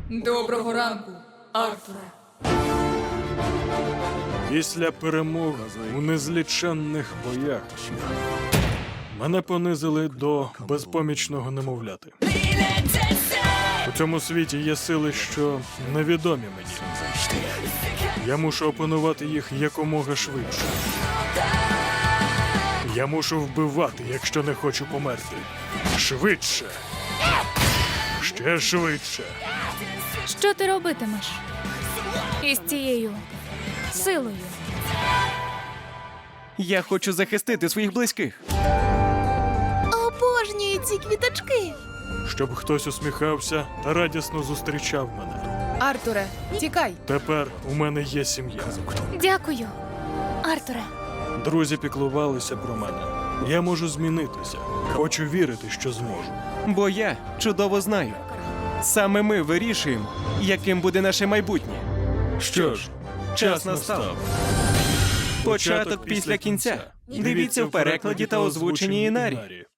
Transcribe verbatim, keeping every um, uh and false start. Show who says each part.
Speaker 1: Доброго ранку, Артуре.
Speaker 2: Після перемог у незліченних боях мене понизили до безпомічного немовляти. У цьому світі є сили, що невідомі мені. Я мушу опанувати їх якомога швидше. Я мушу вбивати, якщо не хочу померти. Швидше. Ще швидше.
Speaker 3: Що ти робитимеш із цією силою?
Speaker 4: Я хочу захистити своїх близьких.
Speaker 5: Обожнюю ці квіточки.
Speaker 2: Щоб хтось усміхався та радісно зустрічав мене.
Speaker 1: Артуре, тікай.
Speaker 2: Тепер у мене є сім'я.
Speaker 3: Дякую, Артуре.
Speaker 2: Друзі піклувалися про мене. Я можу змінитися. Хочу вірити, що зможу.
Speaker 4: Бо я чудово знаю. Саме ми вирішуємо, яким буде наше майбутнє.
Speaker 2: Що ж,
Speaker 4: Час настав. Початок після кінця. Дивіться в перекладі та озвученні Інарі.